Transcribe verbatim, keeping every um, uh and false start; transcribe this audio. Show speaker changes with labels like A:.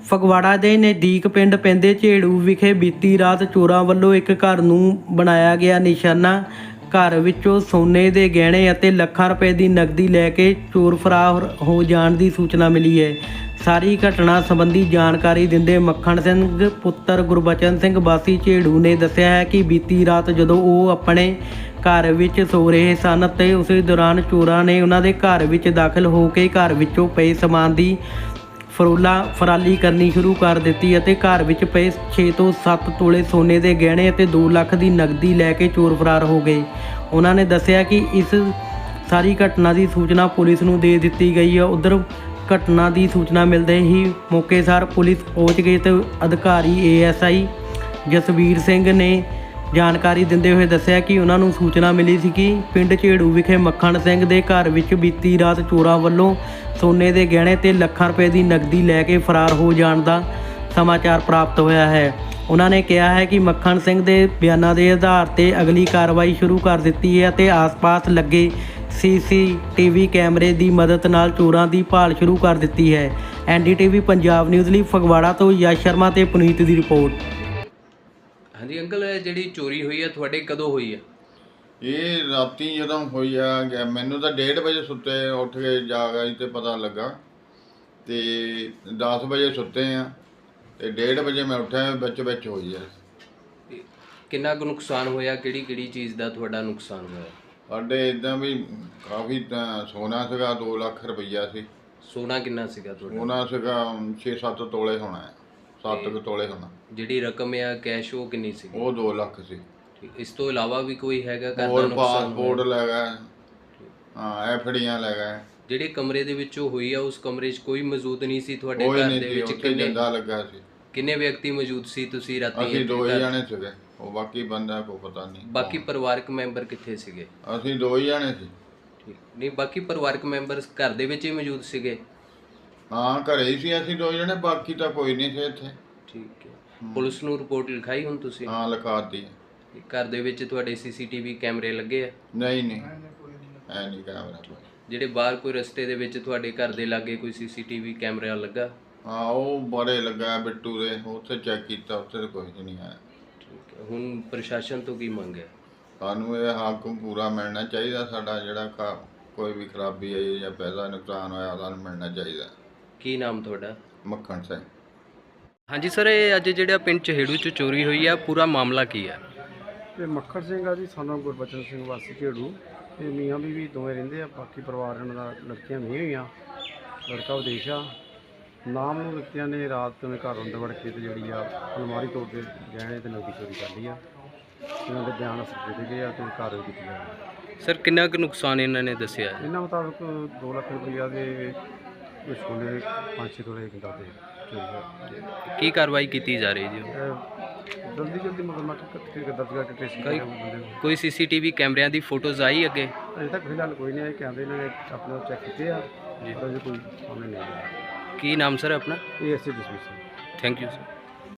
A: ਫਗਵਾੜਾ ਦੇ ਨਜ਼ਦੀਕ ਪਿੰਡ ਪੈਂਦੇ ਝੇੜੂ ਵਿਖੇ ਬੀਤੀ ਰਾਤ ਚੋਰਾਂ ਵੱਲੋਂ ਇੱਕ ਘਰ ਨੂੰ ਬਣਾਇਆ ਗਿਆ ਨਿਸ਼ਾਨਾ। ਘਰ ਵਿੱਚੋਂ ਸੋਨੇ ਦੇ ਗਹਿਣੇ ਅਤੇ ਲੱਖਾਂ ਰੁਪਏ ਦੀ ਨਕਦੀ ਲੈ ਕੇ ਚੋਰ ਫਰਾਰ ਹੋ ਜਾਣ ਦੀ ਸੂਚਨਾ ਮਿਲੀ ਹੈ। ਸਾਰੀ ਘਟਨਾ ਸੰਬੰਧੀ ਜਾਣਕਾਰੀ ਦਿੰਦੇ ਮੱਖਣ ਸਿੰਘ ਪੁੱਤਰ ਗੁਰਬਚਨ ਸਿੰਘ ਵਾਸੀ ਝੇੜੂ ਨੇ ਦੱਸਿਆ ਹੈ ਕਿ ਬੀਤੀ ਰਾਤ ਜਦੋਂ ਉਹ ਆਪਣੇ ਘਰ ਵਿੱਚ ਸੋ ਰਹੇ ਸਨ ਤੇ ਉਸੇ ਦੌਰਾਨ ਚੋਰਾਂ ਨੇ ਉਹਨਾਂ ਦੇ ਘਰ ਵਿੱਚ ਦਾਖਲ ਹੋ ਕੇ ਘਰ ਵਿੱਚੋਂ ਪਏ ਸਮਾਨ ਦੀ ਫਰੋਲਾ ਫਰਾਲੀ ਕਰਨੀ ਸ਼ੁਰੂ ਕਰ ਦਿੱਤੀ ਅਤੇ ਘਰ ਵਿੱਚ ਪਏ ਛੇ ਤੋਂ ਸੱਤ ਤੋਲੇ ਸੋਨੇ ਦੇ ਗਹਿਣੇ ਅਤੇ ਦੋ ਲੱਖ ਦੀ ਨਕਦੀ ਲੈ ਕੇ ਚੋਰ ਫਰਾਰ ਹੋ ਗਏ। ਉਹਨਾਂ ਨੇ ਦੱਸਿਆ ਕਿ ਇਸ ਸਾਰੀ ਘਟਨਾ ਦੀ ਸੂਚਨਾ ਪੁਲਿਸ ਨੂੰ ਦੇ ਦਿੱਤੀ ਗਈ ਹੈ। ਉਧਰ ਘਟਨਾ ਦੀ ਸੂਚਨਾ ਮਿਲਦੇ ਹੀ ਮੌਕੇ ਸਾਰ ਪੁਲਿਸ ਪਹੁੰਚ ਗਈ ਤੇ ਅਧਿਕਾਰੀ A S I Jasveer Singh ਨੇ ਜਾਣਕਾਰੀ ਦਿੰਦੇ ਹੋਏ ਦੱਸਿਆ ਕਿ ਉਹਨਾਂ ਨੂੰ ਸੂਚਨਾ ਮਿਲੀ ਸੀ ਕਿ ਪਿੰਡ ਝੇੜੂ ਵਿਖੇ ਮੱਖਣ ਸਿੰਘ ਦੇ ਘਰ ਵਿੱਚ ਬੀਤੀ ਰਾਤ ਚੋਰਾਂ ਵੱਲੋਂ ਸੋਨੇ ਦੇ ਗਹਿਣੇ ਤੇ ਲੱਖਾਂ ਰੁਪਏ ਦੀ ਨਕਦੀ ਲੈ ਕੇ ਫਰਾਰ ਹੋ ਜਾਣ ਦਾ ਸਮਾਚਾਰ ਪ੍ਰਾਪਤ ਹੋਇਆ ਹੈ। ਉਹਨਾਂ ਨੇ ਕਿਹਾ ਹੈ ਕਿ ਮੱਖਣ ਸਿੰਘ ਦੇ ਬਿਆਨਾਂ ਦੇ ਆਧਾਰ ਤੇ ਅਗਲੀ ਕਾਰਵਾਈ ਸ਼ੁਰੂ ਕਰ ਦਿੱਤੀ ਹੈ ਅਤੇ ਆਸ-ਪਾਸ ਲੱਗੇ ਸੀ ਸੀ ਟੀ ਵੀ ਕੈਮਰੇ ਦੀ ਮਦਦ ਨਾਲ ਚੋਰਾਂ ਦੀ ਭਾਲ ਸ਼ੁਰੂ ਕਰ ਦਿੱਤੀ ਹੈ। N D T V Punjab news ਲਈ ਫਗਵਾੜਾ ਤੋਂ ਯਸ਼ ਸ਼ਰਮਾ ਤੇ ਪੁਨੀਤ ਦੀ ਰਿਪੋਰਟ।
B: ਹਾਂਜੀ ਅੰਕਲ, ਜਿਹੜੀ ਚੋਰੀ ਹੋਈ ਹੈ ਤੁਹਾਡੇ ਕਦੋਂ ਹੋਈ ਹੈ?
C: ਇਹ ਰਾਤੀ ਜਦੋਂ ਹੋਈ ਆ ਗਿਆ ਮੈਨੂੰ ਤਾਂ ਡੇਢ ਵਜੇ ਸੁੱਤੇ ਉੱਠ ਕੇ ਜਾਗ ਆਈ ਤੇ ਪਤਾ ਲੱਗਾ ਤੇ ਦਸ ਵਜੇ ਸੁੱਤੇ ਆ ਤੇ ਡੇਢ ਵਜੇ ਮੈਂ ਉੱਠਿਆ ਵਿੱਚ ਵਿੱਚ ਹੋਈ ਆ।
B: ਕਿੰਨਾ ਕੁ ਨੁਕਸਾਨ ਹੋਇਆ? ਕਿਹੜੀ ਕਿਹੜੀ ਚੀਜ਼ ਦਾ ਤੁਹਾਡਾ ਨੁਕਸਾਨ ਹੋਇਆ?
C: ਸਾਡੇ ਇੱਦਾਂ ਵੀ ਕਾਫੀ ਤਾਂ ਸੋਨਾ ਸੀਗਾ, ਦੋ ਲੱਖ ਰੁਪਈਆ ਸੀ।
B: ਸੋਨਾ ਕਿੰਨਾ ਸੀਗਾ ਤੁਹਾਡਾ?
C: ਸੋਨਾ ਸੀਗਾ ਛੇ ਸੱਤ ਤੋਲੇ ਹੋਣਾ, ਸੱਤ ਕੁ ਤੋਲੇ ਹੋਣਾ। ਜਿਹੜੀ
B: ਰਕਮ ਆ ਕੈਸ਼ ਉਹ ਕਿੰਨੀ ਸੀ?
C: ਉਹ ਦੋ ਲੱਖ ਸੀ।
B: ਇਸ ਤੋਂ ਇਲਾਵਾ ਵੀ ਕੋਈ ਹੈਗਾ ਘਰ ਦਾ
C: ਹੋਰ
B: ਨੁਕਸਾਨ?
C: ਪਾਸਪੋਰਟ ਲੈ ਗਏ, ਹਾਂ ਐਫਡੀਆਂ ਲੈ ਗਏ।
B: ਜਿਹੜੇ ਕਮਰੇ ਦੇ ਵਿੱਚੋਂ ਹੋਈ ਆ ਉਸ ਕਮਰੇ 'ਚ ਕੋਈ ਮੌਜੂਦ ਨਹੀਂ ਸੀ ਤੁਹਾਡੇ
C: ਕੋਈ
B: ਘਰ
C: ਨਹੀਂ
B: ਦੇ
C: ਸੀ,
B: ਵਿੱਚ?
C: ਉੱਥੇ ਜਿੰਦਾ ਲੱਗਾ ਸੀ।
B: ਕਿੰਨੇ ਵਿਅਕਤੀ ਮੌਜੂਦ ਸੀ ਤੁਸੀਂ ਰਾਤੀ?
C: ਅਸੀਂ ਦੋ ਹੀ ਜਾਣੇ ਸੀਗੇ, ਉਹ ਬਾਕੀ ਬੰਦਾ ਕੋਈ ਪਤਾ ਨਹੀਂ।
B: ਬਾਕੀ ਪਰਿਵਾਰਕ ਮੈਂਬਰ ਕਿੱਥੇ ਸੀਗੇ?
C: ਅਸੀਂ ਦੋ ਹੀ ਜਾਣੇ ਸੀ।
B: ਠੀਕ ਨਹੀਂ, ਬਾਕੀ ਪਰਿਵਾਰਕ ਮੈਂਬਰ ਘਰ ਦੇ ਵਿੱਚ ਹੀ ਮੌਜੂਦ ਸੀਗੇ?
C: ਹਾਂ ਘਰੇ ਹੀ ਸੀ ਅਸੀਂ ਦੋ ਜਣੇ, ਬਾਕੀ ਤਾਂ ਕੋਈ ਨਹੀਂ ਸੀ ਇੱਥੇ।
B: ਠੀਕ ਹੈ। ਪੁਲਿਸ ਨੂੰ ਰਿਪੋਰਟ ਲਿਖਾਈ ਹੁਣ ਤੁਸੀਂ?
C: ਹਾਂ ਲਿਖਾਤੀ।
B: ਘਰ ਦੇ ਵਿੱਚ ਤੁਹਾਡੇ ਸੀ ਸੀ ਟੀ ਵੀ ਕੈਮਰੇ ਲੱਗੇ ਆ?
C: ਨਹੀਂ ਨਹੀਂ ਐ ਨਹੀਂ ਕੈਮਰਾ।
B: ਜਿਹੜੇ ਬਾਹਰ ਕੋਈ ਰਸਤੇ ਦੇ ਵਿੱਚ ਤੁਹਾਡੇ ਘਰ ਦੇ ਲਾਗੇ ਕੋਈ ਸੀ ਸੀ ਟੀ ਵੀ ਕੈਮਰਾ ਲੱਗਾ?
C: ਹਾਂ ਉਹ ਬੜੇ ਲੱਗਾ ਬਿੱਟੂ ਦੇ, ਉੱਥੇ ਚੈੱਕ ਕੀਤਾ, ਉੱਥੇ ਤਾਂ ਕੁਝ ਨਹੀਂ ਆਇਆ।
B: ਠੀਕ ਹੈ। ਹੁਣ ਪ੍ਰਸ਼ਾਸਨ ਤੋਂ ਕੀ ਮੰਗ ਹੈ?
C: ਸਾਨੂੰ ਇਹ ਹੱਕ ਪੂਰਾ ਮਿਲਣਾ ਚਾਹੀਦਾ। ਸਾਡਾ ਜਿਹੜਾ ਕੋਈ ਵੀ ਖਰਾਬੀ ਆਈ ਜਾਂ ਪੈਸਾ ਨੁਕਸਾਨ ਹੋਇਆ ਸਾਨੂੰ ਮਿਲਣਾ ਚਾਹੀਦਾ।
B: ਕੀ ਨਾਮ ਤੁਹਾਡਾ?
C: ਮੱਖਣ ਸਿੰਘ।
B: ਹਾਂਜੀ ਸਰ, ਇਹ ਅੱਜ ਜਿਹੜਾ ਪਿੰਡ ਝੇੜੂ 'ਚ ਚੋਰੀ ਹੋਈ ਆ ਪੂਰਾ ਮਾਮਲਾ ਕੀ ਹੈ?
D: ਇਹ ਮੱਖਣ ਸਿੰਘ ਆ ਜੀ, ਸਾਨੂੰ ਗੁਰਬਚਨ ਸਿੰਘ ਵਾਸੀ ਝੇੜੂ। ਇਹ ਮੀਆਂ ਬੀਵੀ ਦੋਵੇਂ ਰਹਿੰਦੇ ਆ, ਬਾਕੀ ਪਰਿਵਾਰ ਇਹਨਾਂ ਦਾ ਲੜਕੀਆਂ ਨਹੀਂ ਹੋਈਆਂ, ਲੜਕਾ ਵਿਦੇਸ਼ ਆ। ਨਾਮ ਨੂੰ ਵਿਅਕਤੀਆਂ ਨੇ ਰਾਤ ਨੂੰ ਘਰ ਅੰਦਰ ਵੜ ਕੇ ਤੇ ਜਿਹੜੀ ਆ ਅਲਮਾਰੀ ਤੋੜ ਕੇ ਗਹਿਣੇ ਤੇ ਨਕਦੀ ਚੋਰੀ ਕਰ ਲਈ ਆ। ਇਹਨਾਂ ਦੇ ਬਿਆਨ ਅਸਰ ਦੇ ਗਏ ਆ ਤੇ ਕਾਰਵਾਈ ਕੀਤੀ ਜਾਵੇ।
B: ਸਰ ਕਿੰਨਾ ਕੁ ਨੁਕਸਾਨ ਇਹਨਾਂ ਨੇ ਦੱਸਿਆ?
D: ਇਹਨਾਂ ਮੁਤਾਬਕ ਦੋ ਲੱਖ ਰੁਪਈਆ ਦੇ ਸੋਨੇ ਦੇ ਪੰਜ ਛੇ ਤੋਲੇ ਕਿੰਦਾ ਤੇ ਚੋਰੀ ਹੋਈ।
B: ਕੀ ਕਾਰਵਾਈ ਕੀਤੀ ਜਾ ਰਹੀ ਜੀ?
D: ਜਲਦੀ ਜਲਦੀ ਮੁਕੱਦਮਾ ਦਰਜ ਕਰਕੇ ਟ੍ਰੇਸ ਕਰਾਂਗੇ ਬੰਦੇ ਨੂੰ।
B: ਕੋਈ ਸੀ ਸੀ ਟੀ ਵੀ ਕੈਮਰਿਆਂ ਦੀ ਫੋਟੋਜ਼ ਆਈ ਅੱਗੇ?
D: ਅਜੇ ਤੱਕ ਫਿਲਹਾਲ ਕੋਈ ਨਹੀਂ ਆਇਆ। ਕੈਮਰੇ ਇਹਨਾਂ ਨੇ ਆਪਣਾ ਚੈੱਕ ਕੀਤੇ ਆ, ਪਰ ਅਜੇ ਕੋਈ ਸਾਹਮਣੇ ਨਹੀਂ ਆਇਆ।
B: ਕੀ ਨਾਮ ਸਰ ਆਪਣਾ?
D: ਇਹ S A Jasveer Singh.
B: Thank you sir.